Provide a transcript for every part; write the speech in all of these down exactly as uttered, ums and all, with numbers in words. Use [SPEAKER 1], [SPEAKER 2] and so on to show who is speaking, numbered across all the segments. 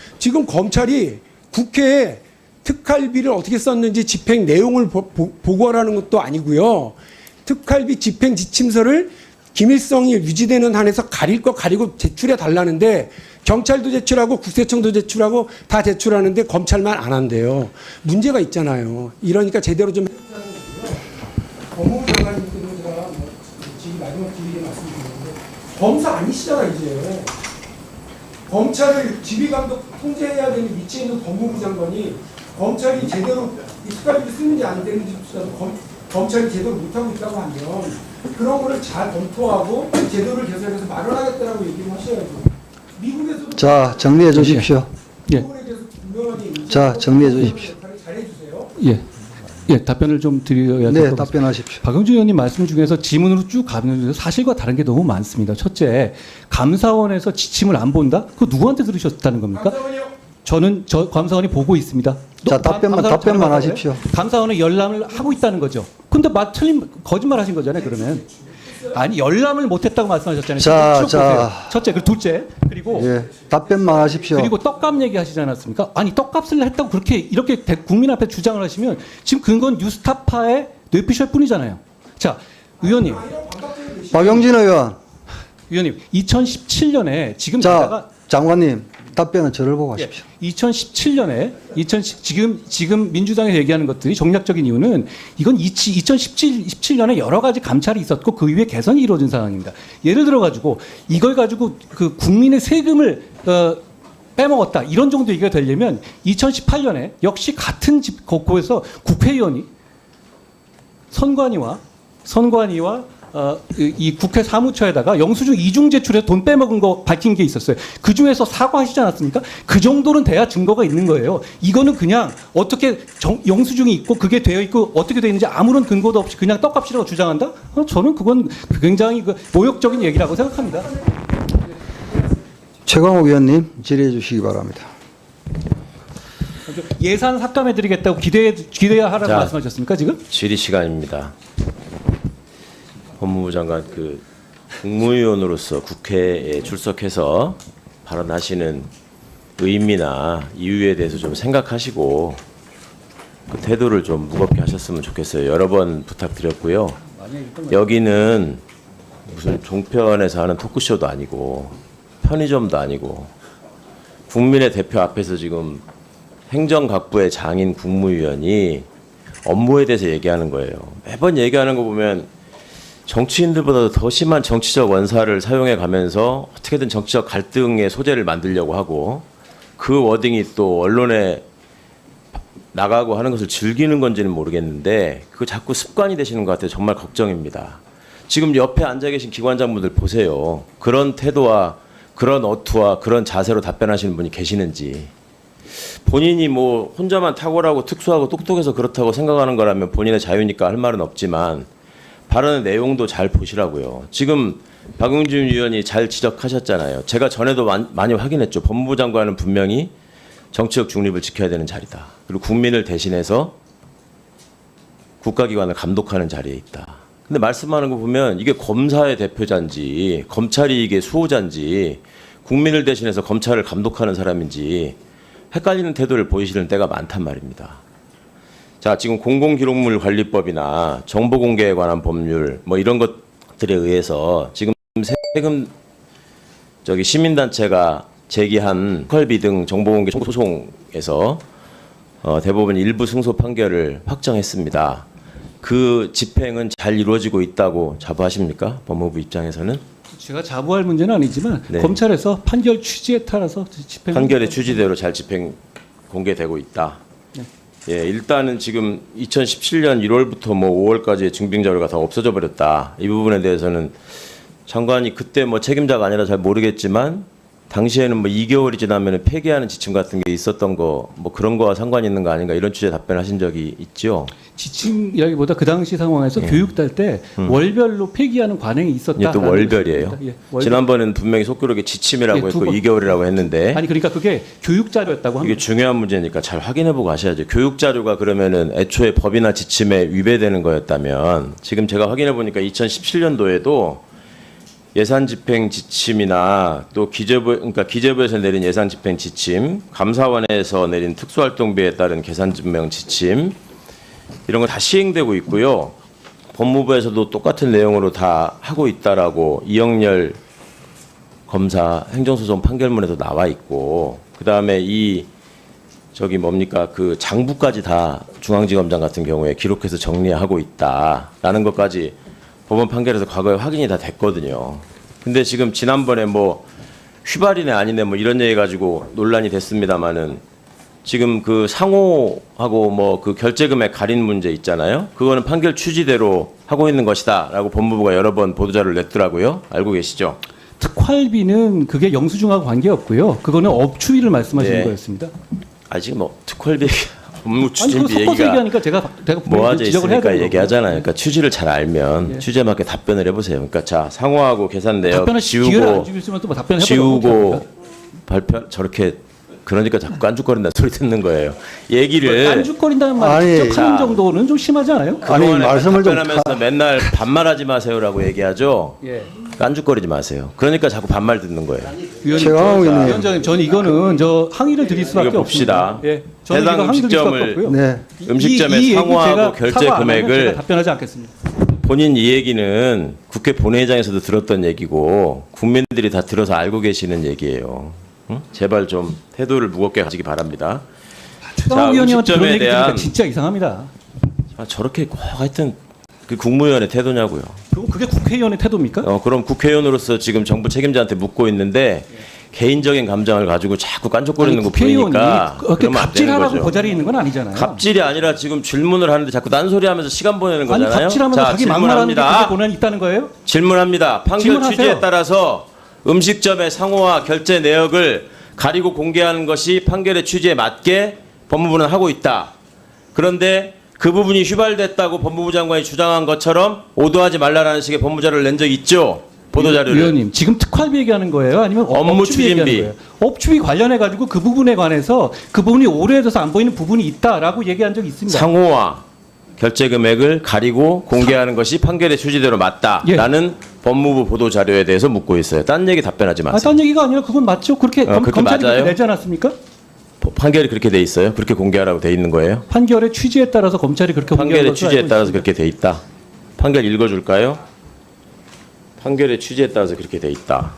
[SPEAKER 1] 지금 검찰이 국회에 특활비를 어떻게 썼는지 집행 내용을 보, 보, 보고하라는 것도 아니고요. 특활비 집행 지침서를 기밀성이 유지되는 한에서 가릴 거 가리고 제출해 달라는데 경찰도 제출하고 국세청도 제출하고 다 제출하는데 검찰만 안 한대요. 문제가 있잖아요. 이러니까 제대로 좀 해보자는 거고요. 법무부 장관님께도 제가 뭐 지금 마지막 기회에 말씀드리는데 검사 아니시잖아 이제. 검찰을 지휘감독 통제해야 되는 위치에 있는 법무부 장관이 검찰이 제대로 이 특활비를 쓰는지 안 되는지조차도 검, 검찰이 제대로 못하고 있다고 하면 그런 거를 잘 검토하고 제도를 개선해서 마련하겠다라고 얘기를 하셔야죠. 미국에서도
[SPEAKER 2] 자, 정리해 주십시오.
[SPEAKER 3] 예.
[SPEAKER 1] 부분에 대해서 분명하게
[SPEAKER 2] 자, 정리해 주십시오.
[SPEAKER 1] 잘해주세요.
[SPEAKER 3] 예. 예, 답변을 좀 드려야 될
[SPEAKER 2] 네,
[SPEAKER 3] 것 같습니다.
[SPEAKER 2] 답변하십시오.
[SPEAKER 3] 박영준 의원님 말씀 중에서 지문으로 쭉 가면 사실과 다른 게 너무 많습니다. 첫째, 감사원에서 지침을 안 본다? 그거 누구한테 들으셨다는 겁니까?
[SPEAKER 1] 감사원이요.
[SPEAKER 3] 저는 저 감사원이 보고 있습니다.
[SPEAKER 2] 자,
[SPEAKER 3] 또
[SPEAKER 2] 답변만-
[SPEAKER 3] 감사원
[SPEAKER 2] 답변만
[SPEAKER 3] 전화가
[SPEAKER 2] 하십시오.
[SPEAKER 3] 와요? 감사원은 열람을 하고 있다는 거죠. 근데 마 틀린 거짓말 하신 거잖아요, 그러면. 아니, 열람을 못 했다고 말씀하셨잖아요.
[SPEAKER 2] 자,
[SPEAKER 3] 쭉
[SPEAKER 2] 자.
[SPEAKER 3] 보세요. 첫째, 그리고 둘째. 그리고
[SPEAKER 2] 예, 답변만 하십시오.
[SPEAKER 3] 그리고 떡값 얘기하시지 않았습니까? 아니, 떡값을 했다고 그렇게 이렇게 대- 국민 앞에 주장을 하시면 지금 그건 뉴스타파의 뇌피셜 뿐이잖아요. 자, 의원님,
[SPEAKER 2] 박영진 의원.
[SPEAKER 3] 의원님, 이천십칠 년에 지금
[SPEAKER 2] 자,
[SPEAKER 3] 게다가
[SPEAKER 2] 장관님, 답변은 저를 보고 하십시오.
[SPEAKER 3] 이천십칠 년에 이천십 지금 지금 민주당에서 얘기하는 것들이 정략적인 이유는 이건 이천십칠 년에 여러 가지 감찰이 있었고 그 이후에 개선이 이루어진 상황입니다. 예를 들어 가지고 이걸 가지고 그 국민의 세금을 어, 빼먹었다 이런 정도 얘기가 되려면 이천십팔 년에 역시 같은 집 곳에서 국회의원이 선관위와 선관위와 어, 이, 이 국회 사무처에다가 영수증 이중 제출해서 돈 빼먹은 거 밝힌 게 있었어요. 그 중에서 사과하시지 않았습니까? 그 정도는 돼야 증거가 있는 거예요. 이거는 그냥 어떻게 정, 영수증이 있고 그게 되어 있고 어떻게 되어 있는지 아무런 근거도 없이 그냥 떡값이라고 주장한다? 어, 저는 그건 굉장히 그 모욕적인 얘기라고 생각합니다.
[SPEAKER 2] 최광욱 의원님, 질의해 주시기 바랍니다.
[SPEAKER 3] 예산 삭감해드리겠다고 기대해 기대야 하라고
[SPEAKER 4] 자,
[SPEAKER 3] 말씀하셨습니까 지금?
[SPEAKER 4] 질의 시간입니다. 법무부 장관 그 국무위원으로서 국회에 출석해서 발언하시는 의미나 이유에 대해서 좀 생각하시고 그 태도를 좀 무겁게 하셨으면 좋겠어요. 여러 번 부탁드렸고요. 여기는 무슨 종편에서 하는 토크쇼도 아니고 편의점도 아니고 국민의 대표 앞에서 지금 행정각부의 장인 국무위원이 업무에 대해서 얘기하는 거예요. 매번 얘기하는 거 보면 정치인들보다도 더 심한 정치적 원사를 사용해 가면서 어떻게든 정치적 갈등의 소재를 만들려고 하고 그 워딩이 또 언론에 나가고 하는 것을 즐기는 건지는 모르겠는데 그거 자꾸 습관이 되시는 것 같아요. 정말 걱정입니다. 지금 옆에 앉아 계신 기관장분들 보세요. 그런 태도와 그런 어투와 그런 자세로 답변하시는 분이 계시는지. 본인이 뭐 혼자만 탁월하고 특수하고 똑똑해서 그렇다고 생각하는 거라면 본인의 자유니까 할 말은 없지만 발언의 내용도 잘 보시라고요. 지금 박용진 의원이 잘 지적하셨잖아요. 제가 전에도 많이 확인했죠. 법무부 장관은 분명히 정치적 중립을 지켜야 되는 자리다. 그리고 국민을 대신해서 국가기관을 감독하는 자리에 있다. 근데 말씀하는 거 보면 이게 검사의 대표자인지 검찰이 이게 수호자인지 국민을 대신해서 검찰을 감독하는 사람인지 헷갈리는 태도를 보이시는 때가 많단 말입니다. 자, 지금 공공기록물 관리법이나 정보공개에 관한 법률 뭐 이런 것들에 의해서 지금 세금 저기 시민단체가 제기한 특활비 등 정보공개 소송에서 어, 대법원 일부 승소 판결을 확정했습니다. 그 집행은 잘 이루어지고 있다고 자부하십니까? 법무부 입장에서는?
[SPEAKER 3] 제가 자부할 문제는 아니지만
[SPEAKER 4] 네.
[SPEAKER 3] 검찰에서 판결 취지에 따라서 집행
[SPEAKER 4] 판결의 취지대로 잘 집행 공개되고 있다.
[SPEAKER 3] 네.
[SPEAKER 4] 예, 일단은 지금 이천십칠 년 일월부터 뭐 오월까지의 증빙 자료가 다 없어져 버렸다. 이 부분에 대해서는 장관이 그때 뭐 책임자가 아니라 잘 모르겠지만 당시에는 뭐 이 개월이 지나면 폐기하는 지침 같은 게 있었던 거 뭐 그런 거와 상관이 있는 거 아닌가 이런 취지의 답변하신 적이 있죠.
[SPEAKER 3] 지침이라기보다 그 당시 상황에서
[SPEAKER 4] 예.
[SPEAKER 3] 교육달 때
[SPEAKER 4] 음.
[SPEAKER 3] 월별로 폐기하는 관행이 있었다.
[SPEAKER 4] 이게 또 월별이에요.
[SPEAKER 3] 예, 월별.
[SPEAKER 4] 지난번에는 분명히 속기록에 지침이라고
[SPEAKER 3] 예, 두
[SPEAKER 4] 했고
[SPEAKER 3] 번.
[SPEAKER 4] 이 개월이라고 했는데
[SPEAKER 3] 아니 그러니까 그게 교육 자료였다고 합니다.
[SPEAKER 4] 이게 중요한 문제니까 잘 확인해보고 하셔야죠. 교육 자료가 그러면은 애초에 법이나 지침에 위배되는 거였다면 지금 제가 확인해보니까 이천십칠 년도에도 예산 집행 지침이나 또 기재부 그러니까 기재부에서 내린 예산 집행 지침, 감사원에서 내린 특수활동비에 따른 계산 증명 지침 이런 거 다 시행되고 있고요. 법무부에서도 똑같은 내용으로 다 하고 있다라고 이영렬 검사 행정소송 판결문에도 나와 있고, 그 다음에 이 저기 뭡니까 그 장부까지 다 중앙지검장 같은 경우에 기록해서 정리하고 있다라는 것까지 법원 판결에서 과거에 확인이 다 됐거든요. 근데 지금 지난번에 뭐 휘발이네 아니네 뭐 이런 얘기 가지고 논란이 됐습니다마는 지금 그 상호하고 뭐 그 결제금액 갈인 문제 있잖아요. 그거는 판결 취지대로 하고 있는 것이다라고 법무부가 여러 번 보도자료를 냈더라고요. 알고 계시죠?
[SPEAKER 3] 특활비는 그게 영수증하고 관계없고요. 그거는 업추위를 말씀하시는
[SPEAKER 4] 네.
[SPEAKER 3] 거였습니다.
[SPEAKER 4] 아직 뭐 특활비 업무
[SPEAKER 3] 아니, 그거
[SPEAKER 4] 추진비
[SPEAKER 3] 섞어서
[SPEAKER 4] 얘기가
[SPEAKER 3] 얘기하니까 제가 제가
[SPEAKER 4] 모아져
[SPEAKER 3] 지적을 해야
[SPEAKER 4] 있으니까
[SPEAKER 3] 되는
[SPEAKER 4] 얘기하잖아요.
[SPEAKER 3] 거고요.
[SPEAKER 4] 그러니까 취지를 잘 알면
[SPEAKER 3] 예.
[SPEAKER 4] 취지에 맞게 답변을 해보세요. 그러니까 자 상호하고 계산 내역
[SPEAKER 3] 답변을 기회를 안
[SPEAKER 4] 지우고
[SPEAKER 3] 주시면 또뭐 답변을
[SPEAKER 4] 지우고 발표 저렇게 그러니까 자꾸 깐죽거린다는 소리 듣는 거예요. 얘기를
[SPEAKER 3] 깐죽거린다는 말
[SPEAKER 2] 아니,
[SPEAKER 3] 직접 하는
[SPEAKER 4] 자.
[SPEAKER 3] 정도는 좀 심하지 않아요?
[SPEAKER 2] 아니,
[SPEAKER 4] 그동안에
[SPEAKER 2] 말씀을 좀
[SPEAKER 4] 답변하면서 맨날 반말하지 마세요라고 얘기하죠.
[SPEAKER 3] 예.
[SPEAKER 4] 깐죽거리지 마세요. 그러니까 자꾸 반말 듣는 거예요.
[SPEAKER 3] 위원님,
[SPEAKER 2] 최강욱
[SPEAKER 3] 저-
[SPEAKER 2] 의원님.
[SPEAKER 3] 위원장님, 저는 이거는 저 항의를 드릴 수밖에
[SPEAKER 4] 이거 봅시다.
[SPEAKER 3] 없습니다. 예, 저는
[SPEAKER 4] 해당
[SPEAKER 3] 이거 항의 드릴 수밖에
[SPEAKER 4] 음식점을
[SPEAKER 3] 없고요.
[SPEAKER 2] 네.
[SPEAKER 3] 이-
[SPEAKER 4] 음식점의
[SPEAKER 3] 이- 이 얘기
[SPEAKER 4] 상호하고
[SPEAKER 3] 제가
[SPEAKER 4] 결제
[SPEAKER 3] 사과 안 하면
[SPEAKER 4] 금액을
[SPEAKER 3] 제가 답변하지 않겠습니다.
[SPEAKER 4] 본인 이 얘기는 국회 본회의장에서도 들었던 얘기고 국민들이 다 들어서 알고 계시는 얘기예요. 응? 제발 좀 태도를 무겁게 가지기 바랍니다.
[SPEAKER 3] 최강욱 의원님한테 그런
[SPEAKER 4] 음식점에
[SPEAKER 3] 얘기 들으니까
[SPEAKER 4] 대한
[SPEAKER 3] 진짜 이상합니다.
[SPEAKER 4] 아, 저렇게 꼭 하여튼 그 국무위원의 태도냐고요.
[SPEAKER 3] 그리고 그게 국회의원의 태도입니까?
[SPEAKER 4] 어, 그럼 국회의원으로서 지금 정부 책임자한테 묻고 있는데 개인적인 감정을 가지고 자꾸 깐족거리는 거
[SPEAKER 3] 국회의원이
[SPEAKER 4] 보니까
[SPEAKER 3] 그렇게
[SPEAKER 4] 그러면 안 되는
[SPEAKER 3] 갑질하라고
[SPEAKER 4] 거죠.
[SPEAKER 3] 그 자리에 있는 건 아니잖아요.
[SPEAKER 4] 갑질이 아니라 지금 질문을 하는데 자꾸 딴소리하면서 시간 보내는
[SPEAKER 3] 아니
[SPEAKER 4] 거잖아요.
[SPEAKER 3] 갑질하면서
[SPEAKER 4] 자,
[SPEAKER 3] 자기 막말하는 게 그게
[SPEAKER 4] 질문합니다.
[SPEAKER 3] 고난이 있다는 거예요?
[SPEAKER 4] 질문합니다. 판결
[SPEAKER 3] 질문하세요.
[SPEAKER 4] 취지에 따라서 음식점의 상호와 결제 내역을 가리고 공개하는 것이 판결의 취지에 맞게 법무부는 하고 있다. 그런데 그 부분이 휘발됐다고 법무부 장관이 주장한 것처럼 오도하지 말라라는 식의 법무자료를 낸 적이 있죠. 보도자료를.
[SPEAKER 3] 위원님 지금 특활비 얘기하는 거예요? 아니면 업-
[SPEAKER 4] 업무
[SPEAKER 3] 업추비 얘기하는
[SPEAKER 4] 추진비.
[SPEAKER 3] 거예요? 업추비 관련해 가지고 그 부분에 관해서 그 부분이 오래돼서 안 보이는 부분이 있다라고 얘기한 적이 있습니다.
[SPEAKER 4] 상호와 결제 금액을 가리고 공개하는 것이 판결의 취지대로 맞다라는 법무부 보도 자료에 대해서 묻고 있어요. 딴 얘기 답변하지
[SPEAKER 3] 아,
[SPEAKER 4] 마세요.
[SPEAKER 3] 딴 얘기가 아니라 그건 맞죠? 그렇게
[SPEAKER 4] 어,
[SPEAKER 3] 검,
[SPEAKER 4] 그렇게
[SPEAKER 3] 검찰이
[SPEAKER 4] 맞아요?
[SPEAKER 3] 그렇게 내지 않았습니까?
[SPEAKER 4] 판결이 그렇게 돼 있어요. 그렇게 공개하라고 돼 있는 거예요.
[SPEAKER 3] 판결의 취지에 따라서 검찰이 그렇게 공개한
[SPEAKER 4] 판결의
[SPEAKER 3] 것으로
[SPEAKER 4] 취지에
[SPEAKER 3] 알고
[SPEAKER 4] 따라서
[SPEAKER 3] 있습니다.
[SPEAKER 4] 그렇게 돼 있다. 판결 읽어줄까요? 판결의 취지에 따라서 그렇게 돼 있다.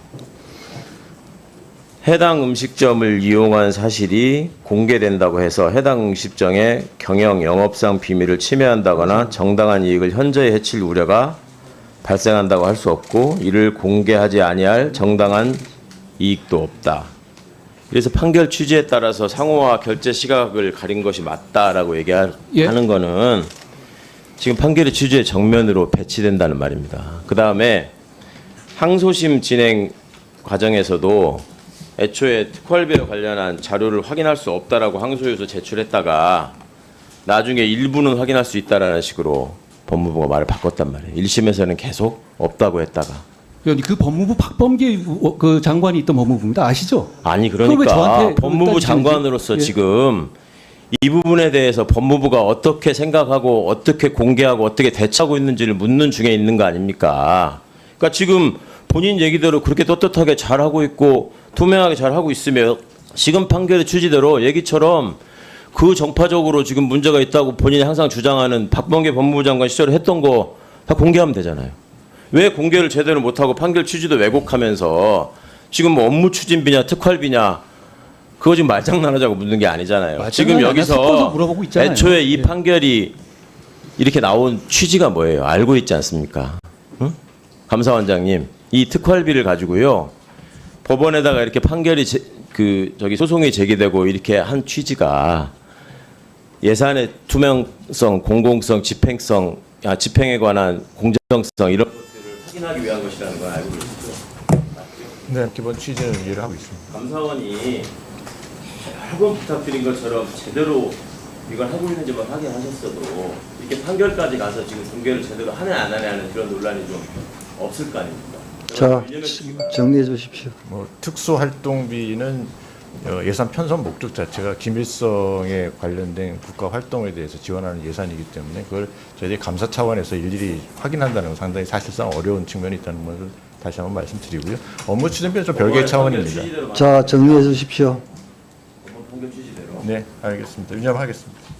[SPEAKER 4] 해당 음식점을 이용한 사실이 공개된다고 해서 해당 음식점의 경영 영업상 비밀을 침해한다거나 정당한 이익을 현저히 해칠 우려가 발생한다고 할 수 없고 이를 공개하지 아니할 정당한 이익도 없다. 그래서 판결 취지에 따라서 상호와 결제 시각을 가린 것이 맞다라고 얘기하는
[SPEAKER 3] 예.
[SPEAKER 4] 거는 지금 판결의 취지의 정면으로 배치된다는 말입니다. 그 다음에 항소심 진행 과정에서도 애초에 특활비와 관련한 자료를 확인할 수 없다라고 항소유서 제출했다가 나중에 일부는 확인할 수 있다라는 식으로 법무부가 말을 바꿨단 말이에요. 일 심에서는 계속 없다고 했다가.
[SPEAKER 3] 위원님 그 법무부 박범계 우- 그 장관이 있던 법무부입니다. 아시죠?
[SPEAKER 4] 아니
[SPEAKER 3] 그걸 왜
[SPEAKER 4] 그러니까
[SPEAKER 3] 저한테
[SPEAKER 4] 법무부
[SPEAKER 3] 따지시는지?
[SPEAKER 4] 장관으로서
[SPEAKER 3] 예.
[SPEAKER 4] 지금 이 부분에 대해서 법무부가 어떻게 생각하고 어떻게 공개하고 어떻게 대처하고 있는지를 묻는 중에 있는 거 아닙니까? 그러니까 지금 본인 얘기대로 그렇게 떳떳하게 잘하고 있고 투명하게 잘하고 있으며 지금 판결의 취지대로 얘기처럼 그 정파적으로 지금 문제가 있다고 본인이 항상 주장하는 박범계 법무부 장관 시절에 했던 거 다 공개하면 되잖아요. 왜 공개를 제대로 못하고 판결 취지도 왜곡하면서 지금 뭐 업무 추진비냐 특활비냐 그거 지금 말장난하자고 묻는 게 아니잖아요.
[SPEAKER 3] 말장난이
[SPEAKER 4] 지금
[SPEAKER 3] 아니라 섞어서
[SPEAKER 4] 여기서
[SPEAKER 3] 물어보고 있잖아요.
[SPEAKER 4] 애초에 이
[SPEAKER 3] 예.
[SPEAKER 4] 판결이 이렇게 나온 취지가 뭐예요? 알고 있지 않습니까? 응? 감사원장님, 이 특활비를 가지고요 법원에다가 이렇게 판결이 제, 그 저기 소송이 제기되고 이렇게 한 취지가 예산의 투명성, 공공성, 집행성, 아, 집행에 관한 공정성 이런 것들을 확인하기 위한 것이라는 걸 알고 계시죠?
[SPEAKER 5] 네, 기본 취지는 이해를 하고 있습니다.
[SPEAKER 4] 감사원이 여러 번 부탁드린 것처럼 제대로 이걸 하고 있는지만 확인하셨어도 이렇게 판결까지 가서 지금 공개를 제대로 하냐 안 하냐 하는 그런 논란이 좀 없을 거 아닙니까?
[SPEAKER 2] 자, 정리해 주십시오.
[SPEAKER 5] 뭐 특수활동비는 어, 예산 편성 목적 자체가 김일성에 관련된 국가 활동에 대해서 지원하는 예산이기 때문에 그걸 저희들이 감사 차원에서 일일이 확인한다는 건 상당히 사실상 어려운 측면이 있다는 것을 다시 한번 말씀드리고요. 업무 추진비는 좀 별개의 차원입니다.
[SPEAKER 2] 자, 정리해 주십시오.
[SPEAKER 5] 네, 알겠습니다. 유념하겠습니다.